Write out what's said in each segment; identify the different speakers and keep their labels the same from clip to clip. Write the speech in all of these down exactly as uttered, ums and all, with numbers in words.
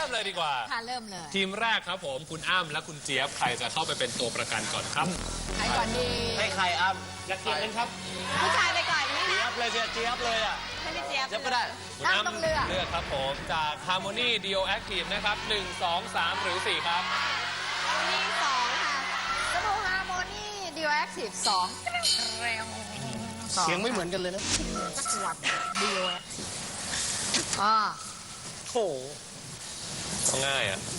Speaker 1: มเลยดีกว่า
Speaker 2: ค่ะเริ่มเลย
Speaker 1: ทีมแรกครับผมคุณอ้ำและคุณเจี๊ยบใครจะเข้าไปเป็นตัวประกันก่อนครับ
Speaker 2: ใครก่อนดี
Speaker 3: ให้ใครอ้ำอยากเกียกันครับ
Speaker 2: ผู้ชายไปก่อนนี่
Speaker 3: เจี๊ยบเลยเจี๊ยบเจี๊ยบเลยอ่ะ
Speaker 2: ให้พี่เจี๊ยบ
Speaker 3: เจี๊ยบก็ได้
Speaker 1: คุณอ้ำต้องเลือกเลือกครับผมจาก Harmony Dio Active นะครับหนึ่ง สอง สามหรือสี่ครับ
Speaker 2: Harmony สองค่ะสบู่ Harmony Dio Active สองเร็ว
Speaker 3: เสียงไม่เหมือนกันเลยนะ
Speaker 2: สักวัด Dio Active อ่า
Speaker 3: โห
Speaker 1: ง่ายอ่ะ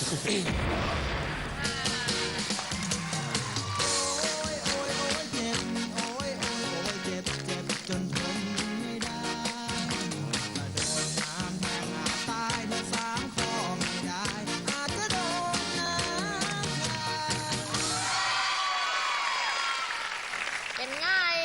Speaker 2: เป็นง่าย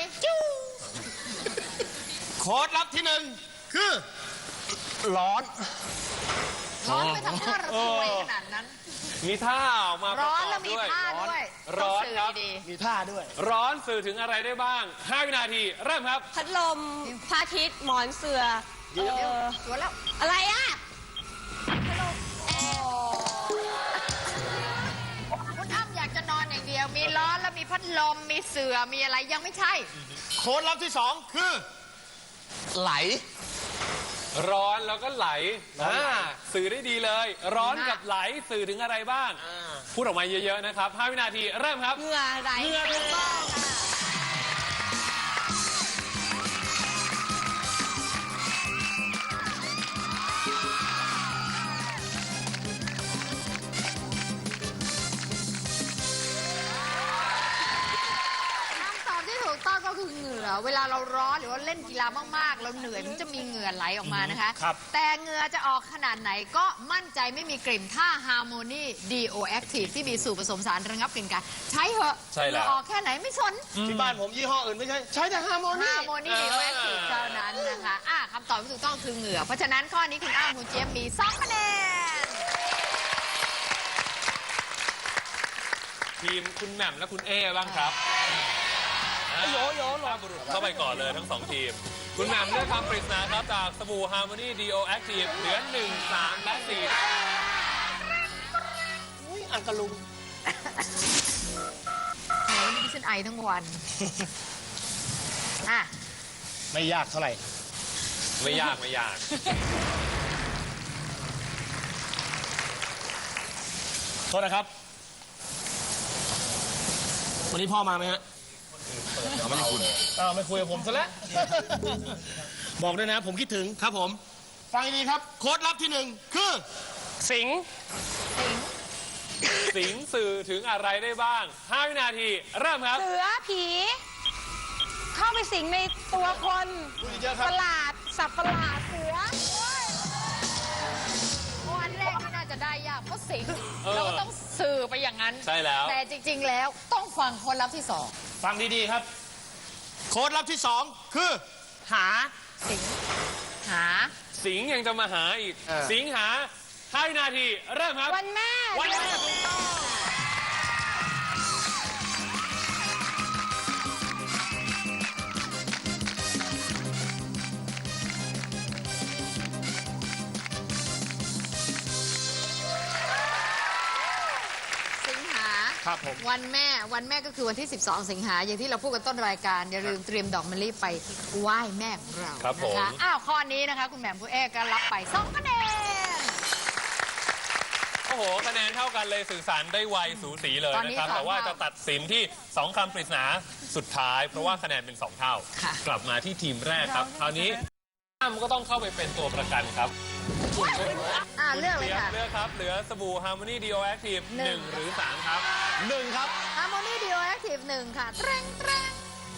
Speaker 3: โค้ดลับที่หนึ่งคือร้อน
Speaker 2: ร้อนไปทำท่าระทวยขนาดนั้น
Speaker 1: มีท่าออกมา
Speaker 2: ร้อนแล้วมีท่าด้วย
Speaker 1: ร้อนครับ
Speaker 3: มีท่าด้วย
Speaker 1: ร้อนสื่อถึงอะไรได้บ้างห้าวินาทีเริ่มครับ
Speaker 4: พัดลมพระอาทิตย์หมอนเสือ
Speaker 2: เดี๋ยวสวนแล้ว
Speaker 4: อะไรอ่ะ
Speaker 2: พัดลมคุณอ้ำอยากจะนอนอย่างเดียวมีร้อนแล้วมีพัดลมมีเสือมีอะไรยังไม่ใช่
Speaker 3: โค้ดลับที่สองคือไหล
Speaker 1: ร้อนแล้วก็ไหลสื่อได้ดีเลยร้อนกับไหลสื่อถึงอะไรบ้างพูดออกมาเยอะๆนะครับห้าวินาทีเริ่มครับ
Speaker 4: เหงื่อไหล
Speaker 1: เหงื่อถูกต้อง
Speaker 2: ก็คือเหงื่อเวลาเราร้อนหรือว่าเล่นกีฬามากๆเราเหนื่อยมันจะมีเหงื่อไหลออกมานะคะแต่เหงื่อจะออกขนาดไหนก็มั่นใจไม่มีกลิ่นถ้า Harmony Dio Active ที่มีสูตรผสมสารระงับกลิ่นกันใช้เหอะเหงื่อออกแค่ไหนไม่สน
Speaker 3: ที่บ้านผมยี่ห้ออื่นไม่ใช่ใช้แต่ Harmony
Speaker 2: Harmony Dio Active เท่านั้นนะคะอ่ะคำตอบที่ถูกต้องคือเหงื่อเพราะฉะนั้นข้อนี้คุณอ้ำคุณเจี๊ยบมีสองคะแนน
Speaker 1: ทีมคุณแหม่มและคุณเอบ้างครับ
Speaker 3: โยโย่
Speaker 1: ลาบุรุษเข้าไปก่อนเลยทั้งสองทีมคุณแหม่มเลือกคำปริศนาครับจากสบู่ Harmony Dio Active เหลือหนึ่ง สาม และสี่
Speaker 3: อุ้ยอังกะลุง
Speaker 2: โหนี่ดิฉันไอทั้งวันอ่ะ
Speaker 3: ไม่ยากเท่าไหร่
Speaker 1: ไม่ยากไม่ยาก
Speaker 3: โทษนะครับวันนี้พ่อมาไหมฮะ
Speaker 1: ไม่ได้คุณ
Speaker 3: อ้าวไม่คุยกับผมซะแล้วบอกด้วยนะผมคิดถึงครับผมฟังดีครับโค้ดลับที่หนึ่งคือสิง
Speaker 1: สิงสื่อถึงอะไรได้บ้างห้าวินาทีเริ่มครับ
Speaker 4: เสือผีเข้าไปสิงในตัวคนประหลาดสัตว์ประหลาดเสือ
Speaker 2: วันแรกไม่น่าจะได้ยากเพราะสิงเราก็ต้องสื่อไปอย่างนั้น
Speaker 1: ใช่แล้ว
Speaker 2: แต่จริงๆแล้วต้องฟังโค้ดลับที่สอง
Speaker 3: ฟังดีๆครับโค้ดลับที่สองคือหา
Speaker 2: สิงหา
Speaker 1: สิงยังจะมาหาอีกสิงหาห้าวินาทีเริ่มครับ
Speaker 4: วันแม่
Speaker 1: วันแม่ถูกต้อง
Speaker 3: ครับผม
Speaker 2: วันแม่วันแม่ก็คือวันที่สิบสองสิงหาอย่างที่เราพูดกันต้นรายการอย่าลืมเตรียมดอกมะลิไปไหว้แม่ของเรา
Speaker 1: ครับผม
Speaker 2: อ้าวข้อนี้นะคะคุณแหม่มผู้เอกก็รับไปสองคะแนน
Speaker 1: โอ้โหคะแนนเท่ากันเลยสื่อสารได้ไวสูสีเลยนะครับแต่ว่าจะตัดสินที่สองคำปริศนาสุดท้ายเพราะว่าคะแนนเป็นสองเท่ากลับมาที่ทีมแรกครับคราวนี้อ้ำก็ต้องเข้าไปเป็นตัวประกันครับ
Speaker 2: อ่าเลือกเลยค่ะ
Speaker 1: เลือกครับเหลือสบู่ Harmony Dio Active หนึ่งหรือสามครับ
Speaker 3: หนึ่งครับ
Speaker 2: Harmony Dio Active หนึ่งค่ะเตรงเตรง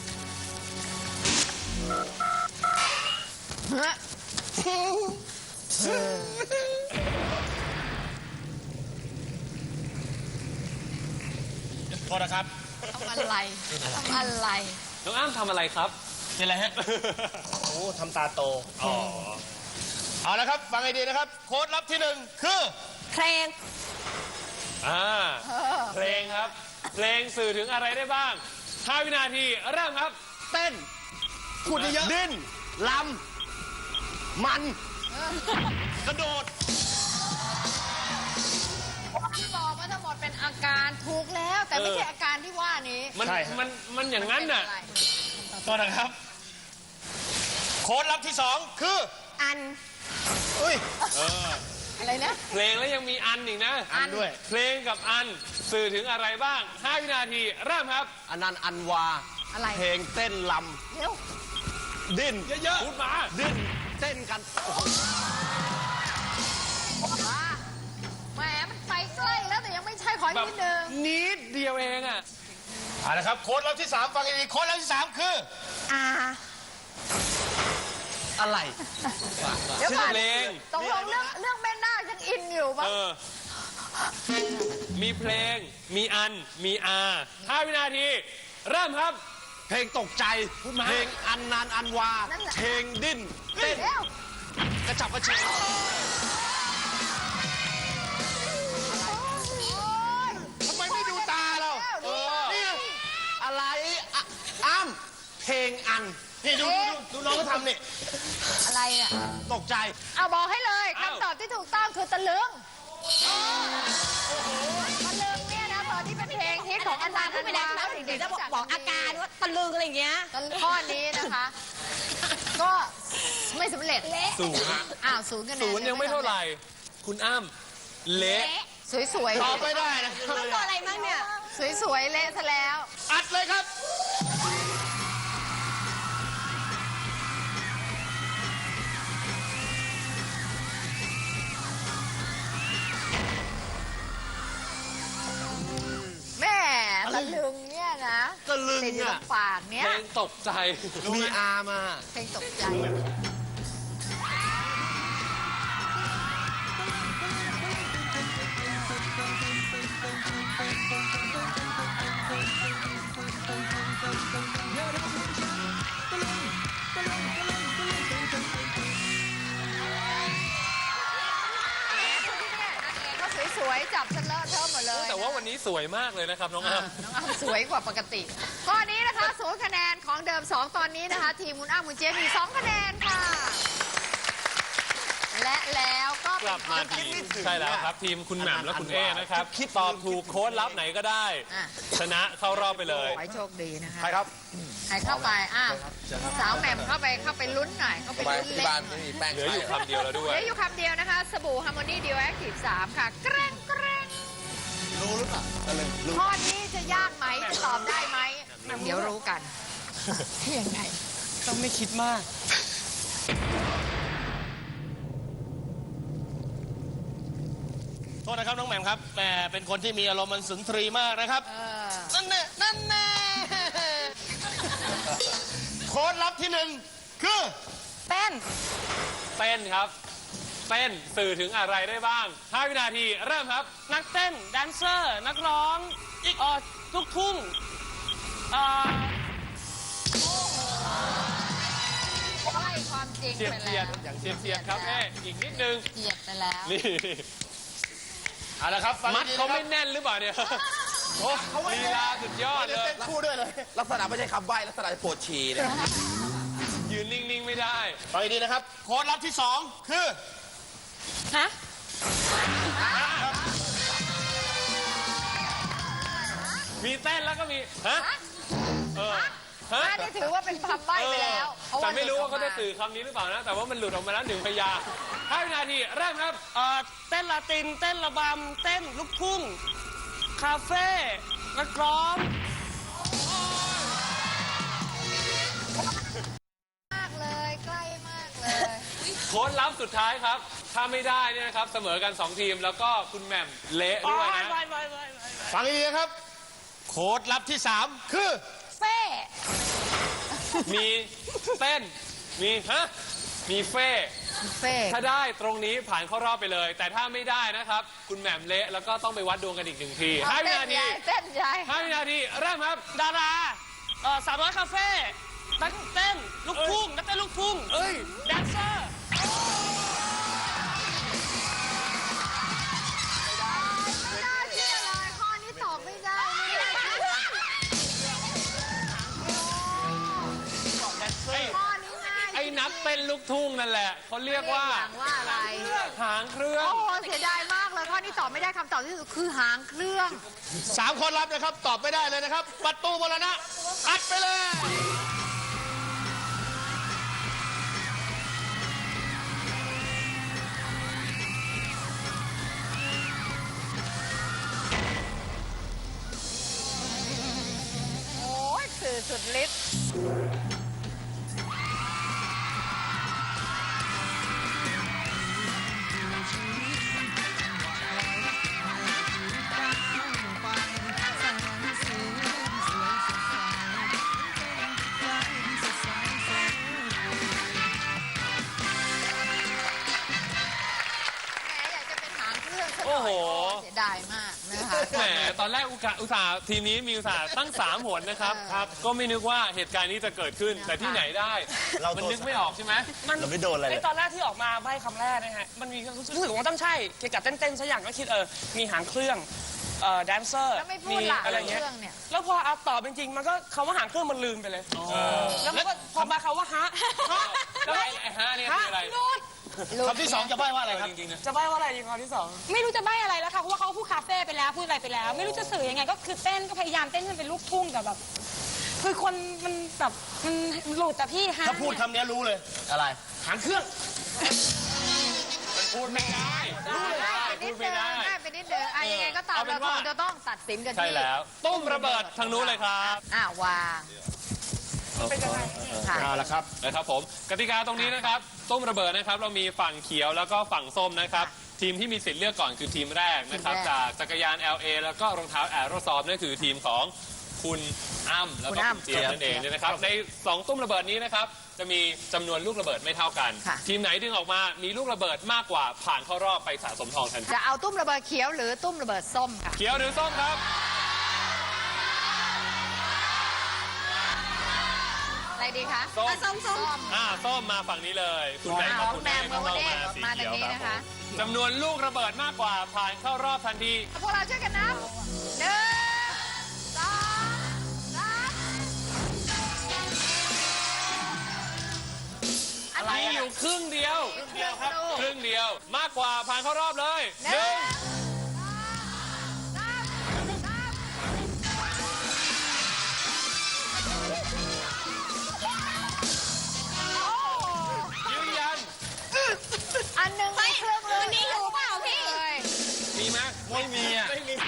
Speaker 3: โทษนะครับ
Speaker 2: ทำอะไรทำอะไร
Speaker 1: น้องอ้ำทำอะไรครับ
Speaker 3: เป็นอะไรฮะโอ้ทำตาโตอ๋อเอาละครับฟังให้ดีนะครับโค้ดลับที่หนึ่งคือ
Speaker 4: เพลง
Speaker 1: อ่าเพลงครับเพลงสื่อถึงอะไรได้บ้างห้าวินาทีเริ่มครับ
Speaker 3: เต้นพูดเยอะดิ้นลำมันกระโดด
Speaker 2: แต่ไม่ใช่อาการที่ว่านี้
Speaker 1: มัน
Speaker 3: ใช่ฮะ
Speaker 1: มันมันอย่างนั้นน่ะ
Speaker 2: เป็อะไร
Speaker 3: โทษนะครับ โค้ดลับที่สองคือ
Speaker 4: อัน
Speaker 3: อุ้ย
Speaker 2: อะไรนะ
Speaker 1: เพลงแล้วยังมีอันอีกนะ
Speaker 3: อันด้วย
Speaker 1: เพลงกับอันสื่อถึงอะไรบ้างห้าวินาทีเริ่มครับ
Speaker 3: อันนั้นอันวา
Speaker 2: อะไร
Speaker 3: เพลงเต้นล
Speaker 2: เร็ว
Speaker 3: ำ ดิ้น
Speaker 1: เยอะๆพูดมา
Speaker 3: ดิ้น เต้นกัน
Speaker 2: มาแหมมันไปใกล้แล้วแต่ยังไม่ใช่ขออีกนิดนึง
Speaker 1: นิดเดียวเองอ่ะ
Speaker 3: เอาละครับ โค้ดลับที่สามฟังดีๆโค้ดลับที่สามคือ
Speaker 4: อา
Speaker 3: อะไร
Speaker 2: เดี๋ยว
Speaker 1: ชื่อ
Speaker 2: ก่อน
Speaker 1: เพลง
Speaker 2: ตกลงเรื่องเรื่องแม่นาคยังอินอยู่ปะ
Speaker 1: เออ มีเพลง มีอัน มีอาห้าวินาที เริ่มครับ
Speaker 3: เพลงตกใจ
Speaker 1: พูดมา
Speaker 3: เพลงอันนานอันวา เพลงดิ้น เต้น
Speaker 2: เร็ว
Speaker 3: กระฉับกระเฉง ทำไมไม่ดูตาเรา
Speaker 2: เออ
Speaker 3: นี่ไงอะไรอ่ะอ้ำเพลงอัน นี่ดูดูดูน้องเขาทำนี่
Speaker 2: อะไรเนี่ย
Speaker 3: ตกใจ
Speaker 2: เอาบอกให้เลย
Speaker 1: อ้าว
Speaker 2: คำตอบที่ถูกต้องคือตะลึงตะลึงเนี่ยนะตอนที่เป็นเพลงฮิตของอันดา
Speaker 4: พูดไปแล้วใช่ไหม
Speaker 2: เด็
Speaker 4: เดี๋ย
Speaker 2: ก
Speaker 4: วจะ
Speaker 2: ๆรู้จั
Speaker 4: บอกอาการว่าตะลึงอะไรอย่างเงี้ย
Speaker 2: ตะลึงข้อนี้นะคะ ก็ไม่สำเร็จ
Speaker 1: ศูนย์
Speaker 2: อ้าวศูนย์คะแนน
Speaker 1: ศูนย์ยังไม่เท่าไหร่ คุณอ้ำเละ
Speaker 2: สวยๆ
Speaker 3: ตอบไม่ได้นะ
Speaker 4: ต้องตัวอะไรมั่งเนี่ย
Speaker 2: สวยๆเละซะแล้ว
Speaker 3: อัดเลยครับ
Speaker 2: แม่ตะลึงเนี่ยนะ
Speaker 3: ตะลึง
Speaker 2: ติดอยู่ตร
Speaker 3: อ่ะ
Speaker 2: งปากเนี่ย
Speaker 1: เพลงตกใจ
Speaker 3: มีอามา
Speaker 2: เพลงตกใจ ก็สวยๆ จับฉันเลอะเทอะหมดเลย
Speaker 1: แต่ว่าวันนี้สวยมากเลยนะครับน้องอ้ำ
Speaker 2: น้องอ้ำสวยกว่าปกติ ข้อนี้นะคะศูนย์คะแนนของเดิม สอง ตอนนี้นะคะ ทีมคุณอ้ำคุณเจมมี สอง คะแนนค่ะ และแล้วก็
Speaker 1: กลับมาทีมใช่แล้วครับ ทีมคุณแหม่มและคุณเอนะครับตอบถูกโค้ดลับไหนก็ได้
Speaker 2: อ่ะ
Speaker 1: ชนะเข้ารอบไปเลย
Speaker 2: ขอให้โชคดีนะคะ
Speaker 3: ใครครับ
Speaker 2: ใครเข้าไปอ้าวสาวแหม่มเข้าไปเข้าไปลุ้นหน่อยเข้าไปลุ้นเล่นหน่อย
Speaker 1: เหลืออยู่คำเดียวแล้วด้ว
Speaker 2: เห
Speaker 1: ย
Speaker 2: ลืออยู่คำเดียวนะคะ สบู่ฮาร์โมนีดิวแอคทีฟสามค่ะแกร่งแกร่ง
Speaker 3: รู้หรือเปล่าตะลึงรู้
Speaker 2: ข้อนี้จะยากไหมจะตอบได้ไหมเดี๋ยวรู้กันยังไง
Speaker 3: ต้องไม่คิดมาก โทษนะครับน้องแหม่มครับแหมเป็นคนที่มีอารมณ์มันสุนทรีมากนะครับ
Speaker 2: เออ
Speaker 3: นั่นแน่นั่นแน่โค้ดลับที่หนึ่งคือ
Speaker 4: เต้น
Speaker 1: เต้นครับ เต้นสื่อถึงอะไรได้บ้างห้าวินาทีเริ่มครับ
Speaker 5: นักเต้น แดนเซอร์ นักร้องเอ่อลูกทุ่งเอ่อ
Speaker 2: ใช่ความจริง
Speaker 1: เสียด
Speaker 2: ไป
Speaker 1: เสีย
Speaker 2: แล้
Speaker 1: ด
Speaker 2: ว
Speaker 1: อย่างเสียดเสียดครับเอ๊ะอีกนิดนึง
Speaker 2: เสียดไปแล้ว
Speaker 1: นี่
Speaker 3: เอาละครับฟัง
Speaker 1: มัด
Speaker 3: ดีๆ
Speaker 1: เขา
Speaker 3: นะค
Speaker 1: ไม่
Speaker 3: รับ
Speaker 1: แน่นหรือเปล่าเนี่ยโอ้ลีลาสุดยอดเลย
Speaker 3: เต้นคู่ด้วยเลย
Speaker 6: ลักษณะไม่ใช่คำใบ้ลักษณะปวดฉี่เนี่ย
Speaker 1: ยืนนิ่ง ๆ ไม่ได้
Speaker 3: ฟังดีๆนะครับ โค้ดลับที่สองคือ
Speaker 4: ฮะ
Speaker 1: มีเต้นแล้วก็มี ฮะ เออ ฮะ
Speaker 2: อันนี้ถือว่าเป็นคำใบ้ไปแล้วเพราะ
Speaker 1: แต่
Speaker 2: ว่า
Speaker 1: ไม่รู้ว่าเขา
Speaker 2: หลุ
Speaker 1: จะ
Speaker 2: ดออกม
Speaker 1: สื่อคำนี้หรือเปล่านะ แต่ว่ามันหลุดออกมาแล้วหนึ่งพยางค์ห้าวินาทีเริ่มครับ
Speaker 5: เอ่อเต้นลาติน เต้นระบำ เต้นลูกทุ่ง คาเฟ่ นักร้อง
Speaker 2: มากเลย ใกล้มากเลย
Speaker 1: โค้ดลับสุดท้ายครับ ถ้าไม่ได้เนี่ยนะครับ เสมอกันสองทีม แล้วก็คุณแหม่มเละด้วยนะ
Speaker 5: ไปไปไปไป
Speaker 3: ฟังดีๆนะครับ โค้ดลับที่สามคือ
Speaker 2: เฟ่
Speaker 1: มีเต้น มีฮะ มีเฟ่
Speaker 2: เฟ่
Speaker 1: ถ้าได้ตรงนี้ผ่านเข้ารอบไปเลย แต่ถ้าไม่ได้นะครับ คุณแหม่มเละแล้วก็ต้องไปวัดดวงกันอีกหนึ่งทีห้าวินาที
Speaker 2: เต้นใหญ่
Speaker 1: ห้าวินาทีเริ่มครับ
Speaker 5: ดาราเอ่อสามร้อยคาเฟ่ นักเต้น ลูกทุ่ง นักเต้นลูกทุ่ง
Speaker 1: เอ้ย
Speaker 5: แดนเซอร์
Speaker 2: ไม่น่าเชื่อเลยข้อนี้ตอบไม่ได้ไม่น่าเชื่อ
Speaker 1: ไอ้
Speaker 2: ข้อนี้ง่าย
Speaker 1: ไอ้ไหนนักเต้นลูกทุ่งนั่นแหละเขาเรียกว่า
Speaker 2: เรียกอย่างว่าอะไร
Speaker 1: หางเครื่อง
Speaker 2: โอ้โหเสียดายมากเลยข้อนี้ตอบไม่ได้คำตอบที่สุดคือหางเครื่อง
Speaker 3: สามคนรับนะครับ ตอบไม่ได้เลยนะครับ ประตูมรณะอัดไปเลย
Speaker 2: โอ้ยสื่อสุดฤทธิ์แหมอยากจะเป็นหางเครื่องซะหน่
Speaker 1: โอ้
Speaker 2: อย
Speaker 1: โห
Speaker 2: เสียดายมากนะคะ
Speaker 1: แหมตอนแรกอุกะอุตส่าห์ทีมนี้มีอุตส่าห์ตั้งสามหนนะครับ
Speaker 2: เออ
Speaker 1: ครับ ก็ไม่นึกว่าเหตุการณ์นี้จะเกิดขึ้น แต่ที่ไหนได้
Speaker 3: เรา
Speaker 1: มัน
Speaker 3: โดน
Speaker 1: นึกไม่ออกใช่ไหม
Speaker 5: มัน
Speaker 3: เราไม่โดนอะไรเลย
Speaker 5: ไตอนแรกที่ออกมาใบคำแรกนะฮะ มันมีรู้สึกว่าต้องใช่ เกี่ยวกับเต้นๆสักอย่างก็คิดเออ มีหางเครื่อง เอ่อ แดนเซอร์
Speaker 2: แล้วไม่พูดล่ะ
Speaker 5: อะไรเงี้ย
Speaker 2: เครื่องเนี่ย
Speaker 5: แล้วพอเอาตอบจริงๆมันก็คำว่าหางเครื่องมันลืมไปเลย แล้วมันก็พอมาคำว่าฮะฮะ
Speaker 1: แล้วไอ้ไอ้ฮะเนี่ยคืออะไร
Speaker 3: คำที่สองจะใบ้ว่าอะไรครับ
Speaker 1: จริงๆนะ
Speaker 5: จะใบว่าอะไรดีคำที่สอง
Speaker 4: ไม่รู้จะใบ้อะไรแล้วค่ะเพราะว่าเขาพูดคาเฟ่ไปแล้วพูดอะไรไปแล้ว ไม่รู้จะสื่อยังไงก็คือเต้นก็พยายามเต้นให้มันเป็นลูกทุ่งแต่แบบคือคนมันแบบมันหลุดแต่พี่ฮะ
Speaker 3: ถ้าพูดคำนี้รู้เลย อะไร หางเครื่อง
Speaker 1: พูดไม่ได้
Speaker 2: ง่ายไปนิ
Speaker 1: พู
Speaker 2: ด
Speaker 1: ด
Speaker 2: เดิ
Speaker 1: ไม่
Speaker 2: ม
Speaker 1: ได้
Speaker 2: ง่ายไปนิดเดิมอ่ะยังไงก็ตาม
Speaker 1: เอาเป็
Speaker 2: เรา
Speaker 1: นว่า
Speaker 2: คงจะต้องตัดสินกัน
Speaker 1: ใช่
Speaker 2: ที่
Speaker 1: แล้ว ตุ้มระเบิดทางนู้นเลยครับ
Speaker 2: อ่าวาง
Speaker 5: เป็นยังไง
Speaker 2: ค่ะ
Speaker 3: เอาละครับ
Speaker 1: นะครับผมกติกาตรงนี้นะครับตุ้มระเบิดนะครับเรามีฝั่งเขียวแล้วก็ฝั่งส้มนะครับทีมที่มีสิทธิ์เลือกก่อนคือทีมแรกนะครับ
Speaker 2: ทีมแรก
Speaker 1: จากจักรยาน แอล เอ แล้วก็รองเท้าแอโรซอฟนั่นคือทีมของคุณอ้ำแล้วก็คุณเจี๊ยบนั่นเองเนี่ยนะครับในสองตุ้มระเบิดนี้นะครับจะมีจำนวนลูกระเบิดไม่เท่ากัน
Speaker 2: ค่ะ
Speaker 1: ทีมไหนดึงออกมามีลูกระเบิดมากกว่าผ่านเข้ารอบไปสะสมทองทันที
Speaker 2: จะเอาตุ้มระเบิดเขียวหรือตุ้มระเบิดส้มค่ะ
Speaker 1: เขียวหรือส้มครับ
Speaker 2: อะไรดีคะ
Speaker 1: ส้ม
Speaker 2: อ่ะส้มส้ม
Speaker 1: อ่าส้มมาฝั่งนี้เลยคุณแบงค์กับคุณ
Speaker 2: แม
Speaker 1: แม่
Speaker 2: ว
Speaker 1: ก็
Speaker 2: เมอ
Speaker 1: เข้า
Speaker 2: ร์เด
Speaker 1: มา
Speaker 2: ย์
Speaker 1: สี
Speaker 2: มา
Speaker 1: เขี
Speaker 2: ทาง
Speaker 1: ยว
Speaker 2: นี้
Speaker 1: ครับ
Speaker 2: นะคะ
Speaker 1: จำนวนลูกระเบิดมากกว่าผ่านเข้ารอบทันที
Speaker 2: พวกเราช่วยกันนับหนึ่งสองสามอัน
Speaker 1: มี
Speaker 2: นี้
Speaker 1: อยู่ครึ่งเดียว
Speaker 2: เดียวครับ
Speaker 1: ครึ่งเดียวมากกว่าผ่านเข้ารอบเลย
Speaker 2: ห
Speaker 1: ห
Speaker 2: นึ่
Speaker 1: นึ่
Speaker 2: ง
Speaker 1: ง
Speaker 2: สามสาม
Speaker 1: ยืนยัน
Speaker 2: อันหนึ่งไม่เครื่องเลย
Speaker 4: อันนี้อยู่เปล่าพี่
Speaker 1: มีไหม
Speaker 3: ไม่มีอ่ะ
Speaker 1: ไม่มี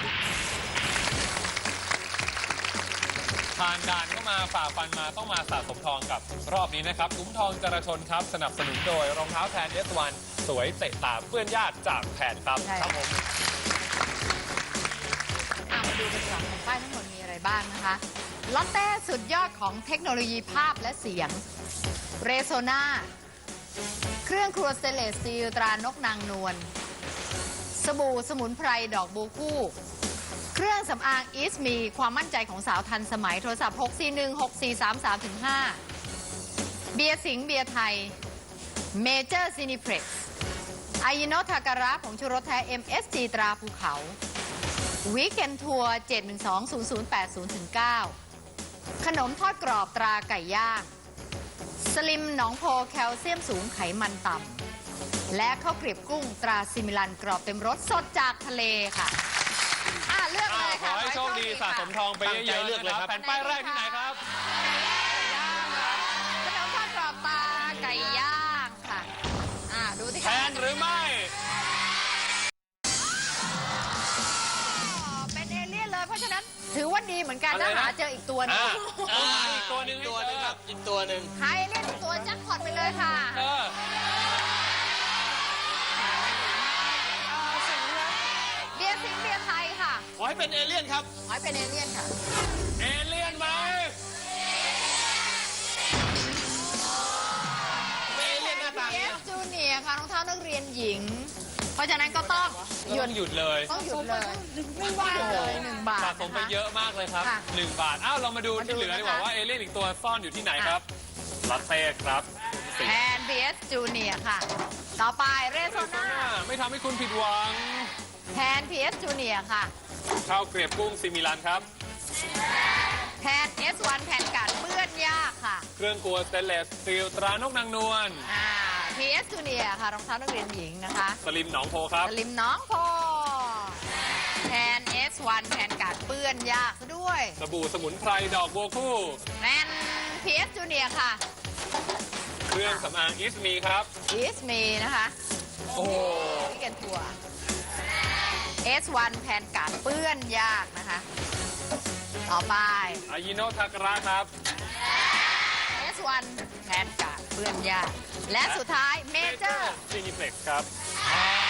Speaker 1: ผ่านด่านเข้ามาฝ่าฟันมาต้องมาสะสมทองกับรอบนี้นะครับคุ้มทองจราชนครับ สนับสนุนโดยรองเท้าแทน เอส วัน สวยเตะตาเปื้อนญาติจากแผนครับ
Speaker 2: ใช่
Speaker 1: ครับผม
Speaker 2: อ่ะมาดูกันก่อนแผ่นป้ายทั้งหมดมีอะไรบ้างนะคะลอตเต้สุดยอดของเทคโนโลยีภาพและเสียงเรโซนาเครื่องครัวสเตนเลสสตีลตรานกนางนวลสบู่สมุนไพรดอกบูคู่ เครื่องสำอางอีสมีความมั่นใจของสาวทันสมัยโทรศัพท์ หก สี่ หนึ่ง หก สี่ สาม สาม ห้า เบียร์สิงห์เบียร์ไทยเมเจอร์ซินิเพล็กซ์ไอยิโนทาการะผงชูรสแท้ เอ็ม เอส จี ตราภูเขาวีคเอนทัวร์ เจ็ด หนึ่ง สอง ศูนย์ ศูนย์ แปด ศูนย์ เก้า ขนมทอดกรอบตราไก่ย่าง สลิมหนองโพแคลเซียมสูงไขมันต่ำ และข้าวเกรียบกุ้งตราซิมิลันกรอบเต็มรสสดจากทะเลค่ะ อ่ะ เลือก
Speaker 1: อ่า
Speaker 2: เลย
Speaker 1: ข
Speaker 2: ค่ะ
Speaker 1: อให้โชคดีสะสมทองไปเยอะๆ
Speaker 3: ตั้งใจเลือกเลยครับ
Speaker 1: แผ่นป้ายแรกที่ไหนครับ
Speaker 2: ขนมทอดกรอบตราไก่ย่างค่ะ อ่ะ ดูที่
Speaker 1: แทนหรือไม่
Speaker 2: เป็นเอเลี่ยนเลย เพราะฉะนั้นถือว่าดีเหมือนกัน
Speaker 1: อะไร
Speaker 2: ถ้า
Speaker 1: นะ
Speaker 2: หาเจออีกตัวหนึง
Speaker 1: อ่าอ่าอีกตัวหนึ่ง
Speaker 3: ตัวหนึงครับ อีกตัวหนึ่ง
Speaker 2: หาเอเลี่ยนอีกตัวแจ็คพอตไปเลยค่ะ
Speaker 1: เออ
Speaker 2: เบียร์สิงห์เบียร์ไทยค่ะ
Speaker 3: ขอให้เป็นเอเลี่ยนครับ
Speaker 2: ขอให้เป็นเอเลี่ยนค่ะ
Speaker 1: เอเลี่ยนไหม
Speaker 3: เป็นเอเลี่ยนหน้าตา
Speaker 2: เอฟจูเนียร์ค่ะรองเท้านักเรียนหญิง เพราะฉะนั้นก็ต้องหยุ
Speaker 1: ต้
Speaker 2: ด
Speaker 1: องหยุดเลย
Speaker 2: ต้องหยุดเลยหนึ่งบาทเลยหนึ่งบาท
Speaker 1: สะสมไป
Speaker 2: นะคะ
Speaker 1: เยอะมากเลยครับ
Speaker 2: ค่ะ
Speaker 1: หนึ่งบาท อ้าว เรามาดู
Speaker 2: มาดู
Speaker 1: ที่เหลือดีกว่า
Speaker 2: นะคะ
Speaker 1: ว่าเอเลี่ยนอีกตัวซ่อนอยู่ที่ไหนครับลอตเต้ครับ
Speaker 2: แทน บี เอส จูเนียร์ค่ะ ต่อไปเรโซนา
Speaker 1: ไม่ทำให้คุณผิดหวัง
Speaker 2: แทน พี เอส จูเนียร์ค่ะ
Speaker 1: ข้าวเกรียบกุ้งซิมิลันครับ
Speaker 2: แทน เอส วัน แผ่นกัดเปื้อนยากค่ะ
Speaker 1: เครื่องครัวสเตนเลสสตีลตรานกนางนวล
Speaker 2: อ่า พี เอส Junior ค่ะรองเท้านักเรียนหญิงนะคะ
Speaker 1: สลิมหนองโพครับ
Speaker 2: สลิมน้องโพแทน เอส วัน แทนการเปื้อนยากซะด้วย
Speaker 1: สบู่สมุนไพรดอกบัวคู่
Speaker 2: แมน พี เอส Junior ค่ะ
Speaker 1: เครื่องสำอางอิสมีครับ
Speaker 2: อีสมีนะคะ
Speaker 1: โอ้โห
Speaker 2: พี่กันตัว เอส วัน แทนการเปื้อนยากนะคะ ต่อไป
Speaker 1: อายิโนทาการะครับ
Speaker 2: เอส วัน แทนการเปื้อนยาก และสุดท้ายเมเจอร์
Speaker 1: ซีนิเฟล็กครับ
Speaker 2: อ่า